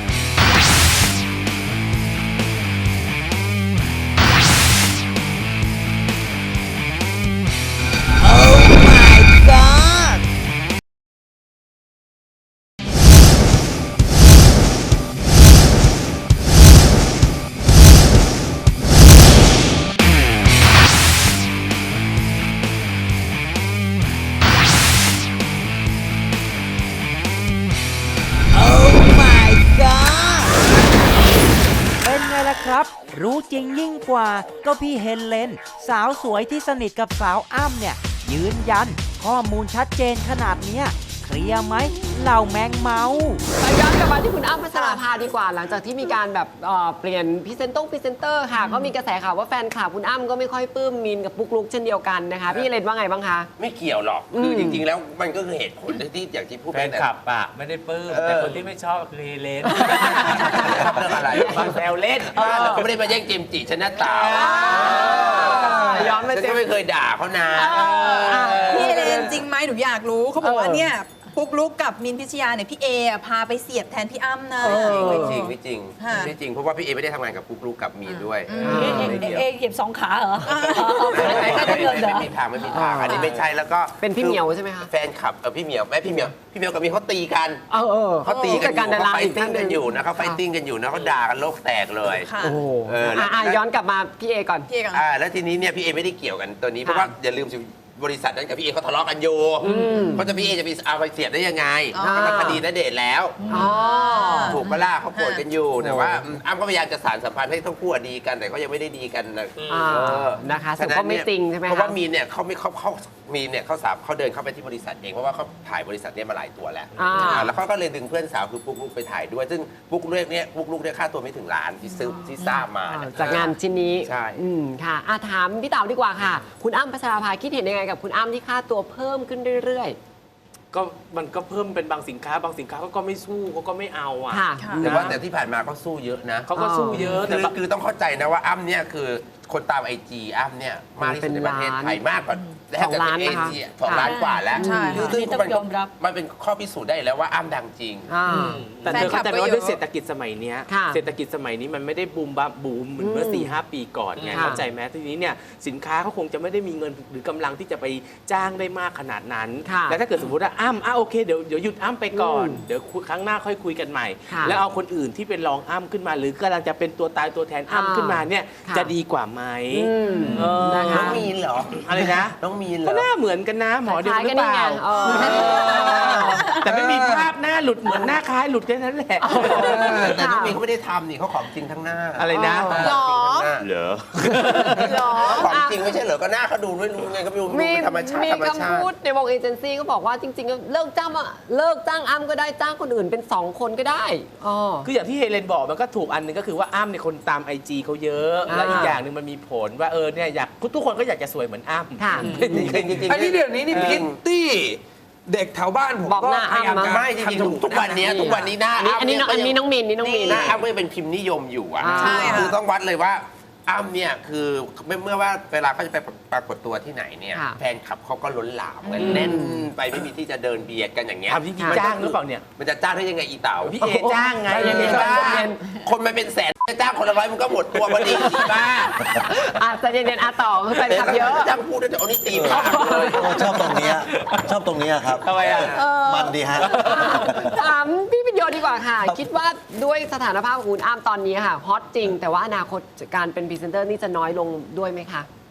[SPEAKER 9] เป็นไงล่ะครับ รู้จริงยิ่งกว่าก็พี่เฮเลน สาวสวยที่สนิทกับสาวอ้ำเนี่ย ยืนยันข้อมูลชัดเจนขนาดเนี้ยเคลียร์ไหมเหล่าแมงเมา
[SPEAKER 6] ย้อนกลับมาที่คุณอ้ำพัชราภาดีกว่าหลังจากที่มีการแบบเอ่อเปลี่ยนพรีเซนต์พรีเซนเตอร์ค่ะ ก็มีกระแสข่าวว่าแฟนคลับคุณอ้ำก็ไม่ค่อยปลื้มมินกับปุ๊กลุกเช่นเดียวกันนะคะ พี่เลนว่าไงบ้างคะ
[SPEAKER 7] ไม่เกี่ยวหรอก คือจริง ๆ แล้วมันก็คือเหตุผลที่อย่างที่พูด
[SPEAKER 13] แฟ
[SPEAKER 7] ไป
[SPEAKER 13] น
[SPEAKER 7] แต่
[SPEAKER 13] คลับอะไม่ได้ปลื้ม
[SPEAKER 7] เออ
[SPEAKER 13] แต่คนที่ไม่ชอบคือเฮเลน
[SPEAKER 7] ชอบเรื่องอะไร
[SPEAKER 13] บางแซวเล่น
[SPEAKER 7] บ้านเราก็ไม่ได้มาแย่งเจมส์จิฉันนะเต๋า
[SPEAKER 6] ย้อนมา
[SPEAKER 7] ฉัน
[SPEAKER 6] เจ
[SPEAKER 7] ก็
[SPEAKER 6] ม
[SPEAKER 7] ไม่เคยด่าเขานะ
[SPEAKER 12] พี่เอเลนจริงไหมหนูอยากรู้เขาบอกว่าเนี่ยปุ๊กลุกกับมินพิชยาเนี่ยพี่เออะพาไปเสียบแทนพี่อ้ำนะ
[SPEAKER 7] ไม่จริงไม่จริง
[SPEAKER 12] ค่ะ
[SPEAKER 7] ไม่จริงเพราะว่าพี่เอไม่ได้ทำงานกับปุ๊กลุกกับมีนด้วย
[SPEAKER 8] เอเอเอเอเหยียบสองขาเหรอ
[SPEAKER 7] ไม่
[SPEAKER 8] ก็
[SPEAKER 7] ไม่
[SPEAKER 8] ได้เงินเหรอ
[SPEAKER 7] ไม่มีทางไม่มีทางอันนี้ไม่ใช่แล้วก็
[SPEAKER 6] เป็นพี่เหมียวใช่ไหมคะ
[SPEAKER 7] แฟนคลับเออพี่เหมียวแม่พี่เหมียวพี่เหมียวกับมีนเขาตีกัน
[SPEAKER 6] เออเออ
[SPEAKER 7] เขาตีกันอ
[SPEAKER 6] การ
[SPEAKER 7] ยู่
[SPEAKER 6] ดารา
[SPEAKER 7] เขาไฟ
[SPEAKER 6] อีก
[SPEAKER 7] ติ้
[SPEAKER 6] ท่าง นห
[SPEAKER 7] กั
[SPEAKER 6] นึ่
[SPEAKER 7] น
[SPEAKER 6] ง
[SPEAKER 7] อยู่นะเขาไฟติ้งกันอยู่นะเขาด่ากันโลกแตกเลย
[SPEAKER 12] ค่ะ
[SPEAKER 6] โอ้โห
[SPEAKER 7] เออแล้ว
[SPEAKER 6] อ่ะย้อนกลับมาพี่เอก่อน
[SPEAKER 12] พี่เอก่อน
[SPEAKER 7] อ่าแล้วทีนี้เนี่ยพี่เอไม่ได้เกี่ยวกันตัวนี้เพราะว่าอย่าลืมสิบริษัทนั้นกับพี่เอเขาทะเลาะกันอยู่เพราะจะพี่เอจะไปเอาไปเสียบได้ยังไง
[SPEAKER 12] อ๋อ
[SPEAKER 7] ก็มันคดีณเดชน์แล้ว
[SPEAKER 6] อ๋อ
[SPEAKER 7] ถูกปะล่ะเขาโกรธกันอยู่แต่ว่าอืมอ้ำก็พยายามจะสานสัมพันธ์ให้ทั้งคู่อะดีกันแต่ก็ยังไม่ได้ดีกันนะ
[SPEAKER 6] อ่า
[SPEAKER 7] เออ
[SPEAKER 6] นะคะสรุปก็ไม่จริงใช่ไหมคะ
[SPEAKER 7] เพราะว่ามีนเนี่ยเขาไม่เขาเขามีนเนี่ยเขาสามเขาเดินเข้าไปที่บริษัทเองเพราะว่าเขาถ่ายบริษัทเนี้มาหลายตัวแล้ว
[SPEAKER 6] อ่า
[SPEAKER 7] อ่าแล้วเขาก็เลยดึงเพื่อนสาวคือปุ๊กลุกไปถ่ายด้วย ซึ่งปุ๊กลุกเนี่ยปุ๊กลุกเนี่ยค่าตัวไม่ถึงล้านที่ซื้อที่ทราบมานะ
[SPEAKER 6] จากงานชิ้นนี้
[SPEAKER 7] ใช่
[SPEAKER 6] อืมค่ะอ่ะถามพี่เต๋าดีกว่าค่ะ คุณอ้ำพัชราภาคิดเห็นยังไงกับคุณอ้ำที่ค่าตัวเพิ่มขึ้นเรื่อย
[SPEAKER 13] ก็มันก็เพิ่มเป็นบางสินค้า บางสินค้าเขาก็ไม่สู้เขาก็ไม่เอาอ่ะ
[SPEAKER 6] ค่ะ
[SPEAKER 7] แต่ว่าแต่ที่ผ่านมาก็สู้เยอะนะ
[SPEAKER 13] เขาก็สู้เยอะแต่
[SPEAKER 7] คือ
[SPEAKER 13] แบบ
[SPEAKER 7] คือต้องเข้าใจนะว่าอ้ำเนี่ยคือคนตามไอจีอ้ำเนี่ยมากที่สุดในประเทศไทยมากกว่า
[SPEAKER 6] สองล้าน
[SPEAKER 7] เอ
[SPEAKER 6] นะคะ
[SPEAKER 7] เชียสองล้านกว่าแล้ว
[SPEAKER 12] ใช่
[SPEAKER 7] คือซึ่ง
[SPEAKER 8] นี่ต้อง
[SPEAKER 7] มัน
[SPEAKER 8] ยอมรับ
[SPEAKER 7] มันเป็นข้อพิสูจน์ได้แล้วว่าอ้ำดังจริง
[SPEAKER 6] ๆอ่า
[SPEAKER 13] แต่เธอเข้าใจไหมว่าด้วยเศรษฐกิจสมัยเนี้ย
[SPEAKER 6] ค่ะ
[SPEAKER 13] เศรษฐกิจสมัยนี้มันไม่ได้บูมบับบูมเหมือนเมื่อ
[SPEAKER 6] อืม
[SPEAKER 13] สี่ห้าปีก่อนไง
[SPEAKER 6] ค่ะ
[SPEAKER 13] เข้าใจไหมทีนี้เนี่ยสินค้าเขาคงจะไม่ได้มีเงินหรือกำลังที่จะไปจ้างได้มากขนาดนั้น
[SPEAKER 6] ค่ะ
[SPEAKER 13] แล้วถ้าเกิดสมมติว่าอ้ำอ่ะโอเคเดี๋ยวเดี๋ยวหยุดอ้ำไปก่อน
[SPEAKER 6] อืม
[SPEAKER 13] เดี๋ยวครั้งหน้าค่อยคุยกันใหม่
[SPEAKER 6] ค่ะ
[SPEAKER 13] แล้วเอาคนอื่นที่เป็นรองอ้ำขึ้นมา หรือกำลังจะเป็นตัวตายตัวแทนอ้ำ
[SPEAKER 6] อ่า
[SPEAKER 13] ขึ้นมาเนี่ย
[SPEAKER 6] ค่ะ
[SPEAKER 13] จะดีกว่าไหม
[SPEAKER 6] อืม
[SPEAKER 13] เออ
[SPEAKER 6] นะคะ
[SPEAKER 7] น้องมีนเหรอ
[SPEAKER 13] อะไรนะ
[SPEAKER 7] น้องมีนเหร
[SPEAKER 13] ก็
[SPEAKER 7] อ
[SPEAKER 13] หน้าเหมือนกันนะหมอเดียว
[SPEAKER 6] คล้าย
[SPEAKER 13] ห
[SPEAKER 6] กั
[SPEAKER 13] รื
[SPEAKER 6] น
[SPEAKER 13] อเป
[SPEAKER 6] นี่ไง
[SPEAKER 13] ล่า
[SPEAKER 6] เออ
[SPEAKER 13] แต่ไม่มีภาพหน้าหลุดเหมือนหน้าคล้ายหลุดแค่นั้นแหละ
[SPEAKER 7] แต่น้องมีนเขาไม่ได้ทำนี่เขาของจริงทั้งหน้า
[SPEAKER 13] อะไรนะ
[SPEAKER 12] หรอ
[SPEAKER 13] เหรอ
[SPEAKER 6] หรอ
[SPEAKER 7] ของจริงไม่ใช่เหรอก็หน้าเขาดูด้วยรู้ไงก็ไม่รู้
[SPEAKER 6] มี
[SPEAKER 7] เป็นธรรมชาติ
[SPEAKER 6] มี
[SPEAKER 7] ธรรมชา
[SPEAKER 6] คำพูด
[SPEAKER 7] ติ
[SPEAKER 6] ในวงเอเจนซี่ก็บอกว่าจริงๆ เลิกจ้างอะเลิกจ้างอ้ำก็ได้จ้างคนอื่นเป็นสองคนก็ได้อ๋อ
[SPEAKER 13] คืออย่างที่เฮเลนบอกมันก็ถูกอันหนึงก็คือว่าอ้ำเนี่ยคนตามไอจีเขาเยอะ
[SPEAKER 6] อ่า
[SPEAKER 13] และอีกอย่างหนึ่งมันมีผลว่าเออเนี่ยอยากทุกคนก็อยากจะสวยเหมือนอ้ำ
[SPEAKER 6] ค่ะ
[SPEAKER 7] จริงๆจริงๆ
[SPEAKER 11] อันนี้เดี๋ยวนี้นี่พิตตี้ เด็กแถวบ้านผม
[SPEAKER 6] บอก
[SPEAKER 11] ก็
[SPEAKER 6] หน้า
[SPEAKER 11] พยายาม
[SPEAKER 6] อ้ำ
[SPEAKER 11] จะ
[SPEAKER 6] นะ
[SPEAKER 7] ไม่จริงๆทุกทุกวันเนี้ยทุกวันนี้หน้า
[SPEAKER 6] อันนี้อันนี้น้องอันนี้น้องมินนี่น้องมิน
[SPEAKER 7] หน้าอ้ำก็ยังเป็นพิมพ์นิยมอยู่อ่ะ
[SPEAKER 6] อ่า
[SPEAKER 12] ใช่ค่ะ
[SPEAKER 7] คือต้องวัดเลยว่าอ้ำเนี่ยคือเมื่อว่าเวลาเขาจะไปปรากฏตัวที่ไหนเนี่ย
[SPEAKER 6] ค่ะ
[SPEAKER 7] แฟนคลับเขาก็ล้นหลามกันแน่นไปไม่มีที่จะเดินเบียดกันอย่างเงี้ย
[SPEAKER 13] ทำจริงๆจ้างหรือเปล่าเนี่ย
[SPEAKER 7] มันจะจ้างได้ยังไงอีเต๋า
[SPEAKER 13] พี่เอจ้างไง
[SPEAKER 6] ใจเย็นๆ
[SPEAKER 7] จ้างคนมันเป็นแสนจะจ้างคนละร้อยมันก็หมดตัวพอดีสิบ้า
[SPEAKER 6] อ่ะใจเย็นๆอ่ะต่อคือแฟนคลับเยอะ
[SPEAKER 7] จ้างพูดแล้วจะเอานี่ตีปากเลย
[SPEAKER 10] โอ้ชอบตรงเนี้ยชอบตรงเนี้ยครับ
[SPEAKER 13] ทำไมอ่ะ
[SPEAKER 6] เออ
[SPEAKER 10] มันดีฮะ
[SPEAKER 6] ถามพี่ปิญโยดีกว่าค่ะ คิดว่าด้วยสถานภาพของคุณอ้ำตอนนี้ค่ะฮอตจริง แต่ว่าอนาคตการเป็นพรีเซนเตอร์นี่จะน้อยลงด้วยไหมคะ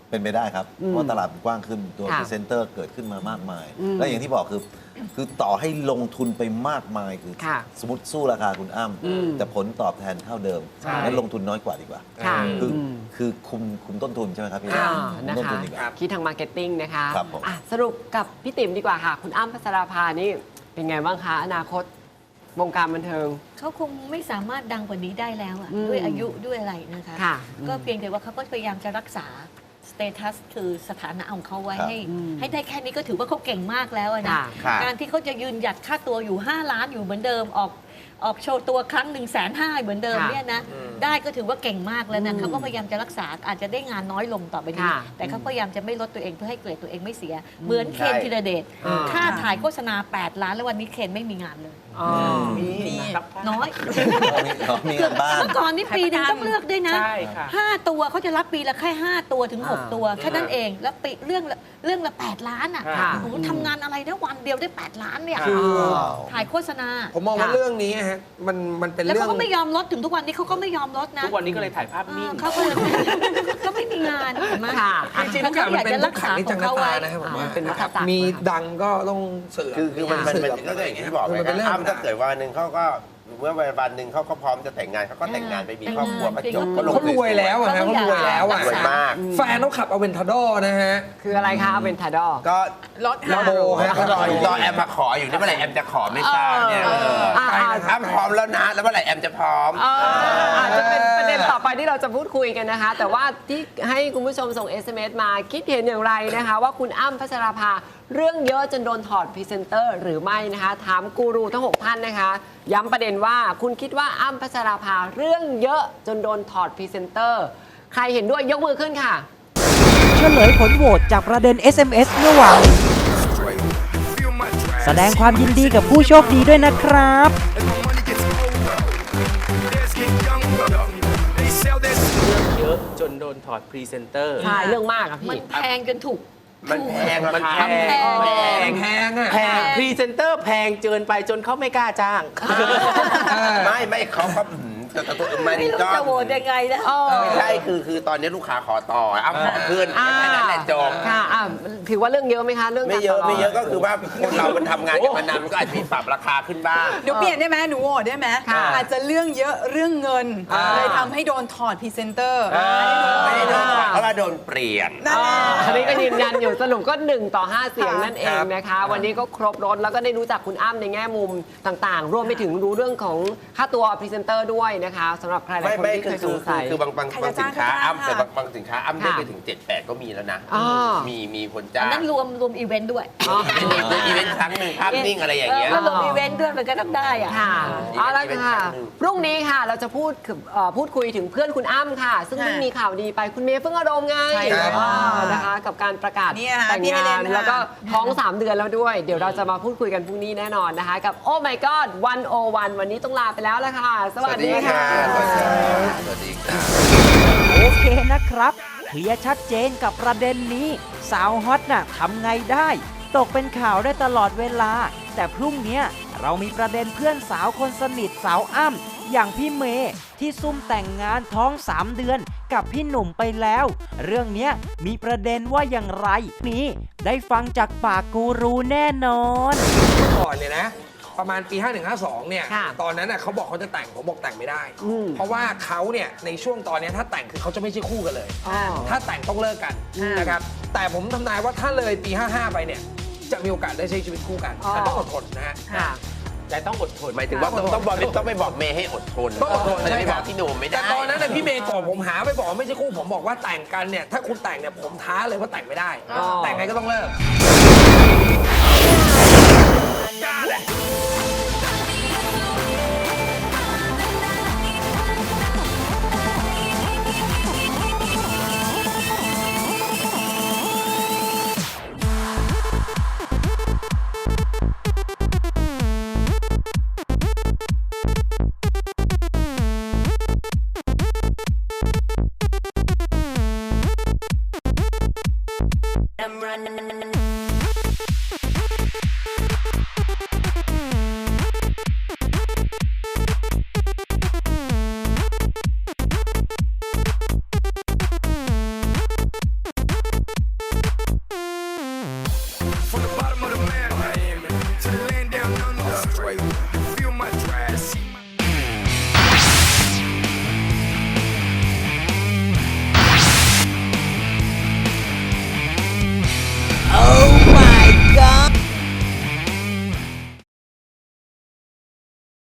[SPEAKER 10] เป็นไปได้ครับ
[SPEAKER 6] อืม
[SPEAKER 10] เพราะตลาดมันกว้างขึ้นตัว
[SPEAKER 6] ค่ะ
[SPEAKER 10] พรีเซนเตอร์เกิดขึ้นมามากมาย
[SPEAKER 6] อืม
[SPEAKER 10] และอย่างที่บอกคือ คือต่อให้ลงทุนไปมากมายคือ
[SPEAKER 6] ค่ะ
[SPEAKER 10] สมมติสู้ราคาคุณอ้ำ
[SPEAKER 6] อืม
[SPEAKER 10] แต่ผลตอบแทนเท่าเดิม
[SPEAKER 6] ใช่
[SPEAKER 10] งั้นลงทุนน้อยกว่าดีกว่า
[SPEAKER 6] ค่ะ
[SPEAKER 10] คืออ
[SPEAKER 6] ม
[SPEAKER 10] คือคุมคุมต้นทุนใช่ไหมครับพี่
[SPEAKER 6] อ่า
[SPEAKER 10] คุม
[SPEAKER 6] นะ
[SPEAKER 10] ต้น
[SPEAKER 6] คะ
[SPEAKER 10] ทุนดีกว่า
[SPEAKER 6] คิดทางมาร์เก็ตติ้งนะคะ
[SPEAKER 10] ครับผม
[SPEAKER 6] อ่ะสรุปกับพี่ติ๋มดีกว่าค่ะ คุณอ้ำพัชราภานี่เป็นไงบ้างคะอนาคตวงการบันเทิง
[SPEAKER 8] เขาคงไม่สามารถดังกว่านี้ได้แล้วอะ
[SPEAKER 6] อืม
[SPEAKER 8] ด้วยอายุด้วยอะไรนะคะ
[SPEAKER 6] ค่ะ
[SPEAKER 8] ก็เพียงแต่ว่าเขาก็พยายามจะรักษาสเตตัสคือสถานะของเขาไว้
[SPEAKER 10] ครับ
[SPEAKER 8] ให้
[SPEAKER 6] อืม
[SPEAKER 8] ให้ได้แค่นี้ก็ถือว่าเขาเก่งมากแล้วอะนะ
[SPEAKER 6] ค่ะ
[SPEAKER 7] ค่ะ
[SPEAKER 8] การที่เขาจะยืนหยัดค่าตัวอยู่ ห้า ล้านอยู่เหมือนเดิมออกออกโชว์ตัวครั้งหนึ่งแสนห้าเหมือนเดิม
[SPEAKER 6] ค่ะ
[SPEAKER 8] เนี่ยนะได้ก็ถือว่าเก่งมากแล้วนะ
[SPEAKER 6] อืม
[SPEAKER 8] เขาก็พยายามจะรักษาอาจจะได้งานน้อยลงต่อไปนี้
[SPEAKER 6] ค่ะ
[SPEAKER 8] แต่เขาพยายามจะไม่ลดตัวเองเพื่อให้เกรดตัวเองไม่เสีย เหมือนเคนธีรเดช
[SPEAKER 6] อ่า
[SPEAKER 8] ค่าถ่ายโฆษณา แปด ล้านแล้ววันนี้เคนไม่มีงานเลย
[SPEAKER 6] อ๋อ
[SPEAKER 12] นี่
[SPEAKER 8] น้อย
[SPEAKER 10] มีงานบ้าน
[SPEAKER 8] เมื่อก่อนนี่ปีหนึงต้องเลือกด้วยนะ
[SPEAKER 13] ใช่ค่ะ
[SPEAKER 8] ห้าตัวเขาจะรับปีละแค่ห้าตัวถึงหก
[SPEAKER 6] อ่า
[SPEAKER 8] ตัวแค่นั้นเองแล้วปีเรื่องละเรื่องละแปดล้านอ่ะ
[SPEAKER 6] ค่ะ
[SPEAKER 8] โอ้โหทำงานอะไรได้วันเดียวได้แปดล้านเนี่ย
[SPEAKER 11] คือ
[SPEAKER 8] ถ่ายโฆษณา
[SPEAKER 11] ผมมองว่า
[SPEAKER 6] ค่ะ
[SPEAKER 11] เรื่องนี้ฮะมันมันเป็น
[SPEAKER 8] แล้ว
[SPEAKER 11] เรื่อ
[SPEAKER 8] เขา
[SPEAKER 11] ง
[SPEAKER 8] ก็ไม่ยอมลดถึงทุกวันนี้เขาก็ไม่ยอมลดนะ
[SPEAKER 13] ทุกวันนี้ก็เลยถ่ายภาพนิ่ง
[SPEAKER 8] เขาก็เลยก็ไม่มีงานเห็นไหม
[SPEAKER 6] ค่ะ
[SPEAKER 11] จริงๆทุกอย่างมันเป็นทุกขังในจังหวะนะครับผม
[SPEAKER 6] อ่า
[SPEAKER 11] ว่า
[SPEAKER 6] มันเป็นวัฏจักร
[SPEAKER 11] มีดังก็ต้องเสื่อม
[SPEAKER 7] คือคือมันมัน
[SPEAKER 11] เสื่
[SPEAKER 7] มัน
[SPEAKER 11] อม
[SPEAKER 7] ก็อย่างที่บอก
[SPEAKER 11] คือ
[SPEAKER 7] ไง
[SPEAKER 11] มันเป็นเรื่อง
[SPEAKER 7] อ้ำถ้าเกิดวันหนึ่งเขาก็เมื่อวันหนึ่งเขาก็พร้อมจะแต่งงานเขาก็แต่งงานไปมีครอบครัวก็จบก็ลง
[SPEAKER 11] เขารวยแล้วอะฮะเขารวยแล้วอะ
[SPEAKER 7] รวยมาก
[SPEAKER 11] แฟนเขาขับเอาเวนทาดอร์นะฮะ
[SPEAKER 6] คืออะไรคะเป็นทาดอ
[SPEAKER 7] ก็
[SPEAKER 12] รถ
[SPEAKER 11] ลาโบฮะ
[SPEAKER 7] ก็รออยู่รอแอมมาขออยู่นี่เมื่อไหร่แอมจะขอไม่ทราบเนี่ยเออ
[SPEAKER 6] อ่าอ่า
[SPEAKER 7] อ้ำพร้อมแล้วนะแล้วเมื่อไหร่แอมจะพร้อม
[SPEAKER 6] เอออาจจะเป็นประเด็นต่อไปที่เราจะพูดคุยกันนะคะ แต่ว่าที่ให้คุณผู้ชมส่ง เอส เอ็ม เอส มาคิดเห็นอย่างไรนะคะ ว่าคุณอ้ำพัชราภาเรื่องเยอะจนโดนถอดพรีเซนเตอร์หรือไม่นะคะ ถามกูรูทั้งหกท่านนะคะ ย้ำประเด็นว่าคุณคิดว่าอ้ำพัชราภาเรื่องเยอะจนโดนถอดพรีเซนเตอร์ใครเห็นด้วยยกมือขึ้นค่ะ
[SPEAKER 9] เฉลยผลโหวตจากประเด็น เอส เอ็ม เอส เมื่อวานนี้แสดงความยินดีกับผู้โชคดีด้วยนะครับ
[SPEAKER 13] เยอะจนโดนถอดพรีเซนเตอร์
[SPEAKER 6] ใช่เรื่องมากอะ
[SPEAKER 8] มัน
[SPEAKER 6] พี่
[SPEAKER 8] แพงจนถูก
[SPEAKER 7] มันแพง
[SPEAKER 13] มัน
[SPEAKER 7] รา
[SPEAKER 13] แพ
[SPEAKER 7] คาง แพง
[SPEAKER 8] แพ
[SPEAKER 11] แพงอะ
[SPEAKER 13] แพงพรีเซนเตอร์แพงเกินไปจนเขาไม่กล้าจ้าง
[SPEAKER 7] ไม่ไม่เขาก็อืมแต่แต่ตัวมัน
[SPEAKER 8] ไม่รู้
[SPEAKER 7] ก็
[SPEAKER 8] จะโหวตยังไงนะ
[SPEAKER 7] ไม่ใช่คือคือตอนนี้ลูกค้าขอต่ออ้ำขอขึ้น
[SPEAKER 6] อ่า
[SPEAKER 7] แค่นั้นแหละจบ
[SPEAKER 6] ค่ะอ่ะถือว่าเรื่องเยอะไหมคะเรื่อง
[SPEAKER 7] ไม่
[SPEAKER 6] การ
[SPEAKER 7] เยอะ
[SPEAKER 6] ต่รง
[SPEAKER 7] ไม่เยอะก็คือว่าคนเรามันทำงานกันมานานมันก็อาจจะมีปรับราคาขึ้นบ้าง
[SPEAKER 12] หนูเปลี่ยนได้ไหมหนูโหวตได้ไหม
[SPEAKER 6] ค่ะ
[SPEAKER 12] อาจจะเรื่องเยอะเรื่องเงิน
[SPEAKER 7] อ่า
[SPEAKER 12] เลยทำให้โดนถอดพรีเซนเตอร์
[SPEAKER 7] ไม่ได้โดนถอดเพราะว่าโดนเปลี่ยน
[SPEAKER 12] นั่น
[SPEAKER 6] อ่า
[SPEAKER 12] แหละ
[SPEAKER 6] อันนี้ก็ยืนยันอยู่สรุปก็หนึ่งต่อห้าเสียง
[SPEAKER 12] ค่ะ
[SPEAKER 6] นั่นเองนะคะ วันนี้ก็ครบรถแล้วก็ได้รู้จักคุณอ้ำในแง่มุมต่างๆ รวมไปถึงรู้เรื่องของค่าตัวพรีเซนเตอร์ด้วยนะคะสำหรับใครหลาย
[SPEAKER 7] ไม่
[SPEAKER 6] คน
[SPEAKER 7] ไม่
[SPEAKER 6] ที่
[SPEAKER 7] คื
[SPEAKER 6] เค
[SPEAKER 7] อย
[SPEAKER 6] ส
[SPEAKER 7] คือง
[SPEAKER 6] สัย
[SPEAKER 7] คือบางบาง
[SPEAKER 12] ใคร
[SPEAKER 7] บาง
[SPEAKER 12] จะ
[SPEAKER 7] สินค้า
[SPEAKER 12] จ้างก็จ้าง
[SPEAKER 7] อ้ำแต่
[SPEAKER 12] ค่ะ
[SPEAKER 7] บางบางสินค้าอ้ำได้
[SPEAKER 6] ค่ะ
[SPEAKER 7] ไปถึงเจ็ดแปดก็มีแล้วนะ
[SPEAKER 6] อ๋อ
[SPEAKER 7] มีมีคน
[SPEAKER 8] อั
[SPEAKER 7] จ้าน ง
[SPEAKER 8] นั้นรวมรวมอีเวนต์ด้วย
[SPEAKER 7] มีมีอีเวนต์ครั้งหนึ่งภาพนิ่งอะไรอย่างเงี้ย
[SPEAKER 8] ก็รวมอีเวนต์ด้วยมันก็ต้องได้อะ
[SPEAKER 6] ค่ะ
[SPEAKER 7] อีเวนต์
[SPEAKER 6] เอาละ
[SPEAKER 7] อีเวนต์
[SPEAKER 6] ค่ะ
[SPEAKER 7] ครั้งหนึ่ง
[SPEAKER 6] พรุ่งนี้ค่ะเราจะพูดคือเอ่อพูดคุยถึงเพื่อนคุณอ้ำค่ะ ซึ่ง
[SPEAKER 12] ค่ะ
[SPEAKER 6] เพิ่งมีข่าวดีไปคุณเมย์เพิ่งอารมณ์ไง
[SPEAKER 12] ใช่ครับ
[SPEAKER 6] อ่านะคะ กับการประกาศ
[SPEAKER 12] เนี่ยค่ะ
[SPEAKER 6] แต่ง
[SPEAKER 12] พี่
[SPEAKER 6] งา
[SPEAKER 12] เฮเล
[SPEAKER 6] น
[SPEAKER 12] นค่ะ
[SPEAKER 6] แล้วก็ท้องสามเดือนแล้วด้วย เดี๋ยวเราจะมาพูดคุยกันพรุ่งนี้แน่นอนนะคะ กับ Oh My God วันโอวันวันนี้ต้องลาไปแล้วละค่ะ สวัสดีค่ะ
[SPEAKER 7] สวัสดีค่ะสวัสดีค่ะ
[SPEAKER 9] โอเคนะครับ เคลียร์ชัดเจนกับประเด็นนี้ สาวฮอตน่ะทำไงได้ ตกเป็นข่าวได้ตลอดเวลา แต่พรุ่งเนี้ยเรามีประเด็นเพื่อนสาวคนสนิทสาวอ้ำอย่างพี่เมย์ที่ซุ่มแต่งงานท้องสามเดือนกับพี่หนุ่มไปแล้ว เรื่องเนี้ยมีประเด็นว่าอย่างไรนี้ได้ฟังจากปากกูรูแน่นอน
[SPEAKER 11] ก่อนเนี่ยนะ ประมาณปี ห้าหนึ่งห้าสอง เนี่ย
[SPEAKER 6] ค่ะ
[SPEAKER 11] ตอนนั้นน่ะเขาบอกเขาจะแต่งผมบอกแต่งไม่ได้
[SPEAKER 6] อืม
[SPEAKER 11] เพราะว่าเขาเนี่ยในช่วงตอนเนี้ยถ้าแต่งคือเขาจะไม่ใช่คู่กันเลย
[SPEAKER 6] อ๋อ
[SPEAKER 11] ถ้าแต่งต้องเลิกกัน
[SPEAKER 6] อืม
[SPEAKER 11] นะครับ แต่ผมทำนายว่าถ้าเลยปี ห้าห้า ไปเนี่ย จะมีโอกาสได้ใช้ชีวิตคู่กัน
[SPEAKER 6] อ๋อ
[SPEAKER 11] แต่ต้องอดทนนะฮะ
[SPEAKER 6] ค่ะ
[SPEAKER 13] แต่ต้องอดทน
[SPEAKER 7] หมายถึงว่าต้องต้องบอกต้องไปบอกเมย์ให้อดทน
[SPEAKER 11] ต้องอดทน
[SPEAKER 7] มันจะไป
[SPEAKER 11] ใช่
[SPEAKER 7] บ
[SPEAKER 11] ค
[SPEAKER 7] อ
[SPEAKER 11] รั
[SPEAKER 7] กพี่หนุ่มไม่ได้
[SPEAKER 11] แต่ตอนนั้นน่ะพี่เมย์บอกผมหาไปบอกว่าไม่ใช่คู่ผมบอกว่าแต่งกันเนี่ยถ้าคุณแต่งเนี่ยผมท้าเลยว่าแต่งไม่ได้
[SPEAKER 6] อ๋อ
[SPEAKER 11] แต่งไงก็ต้องเลิก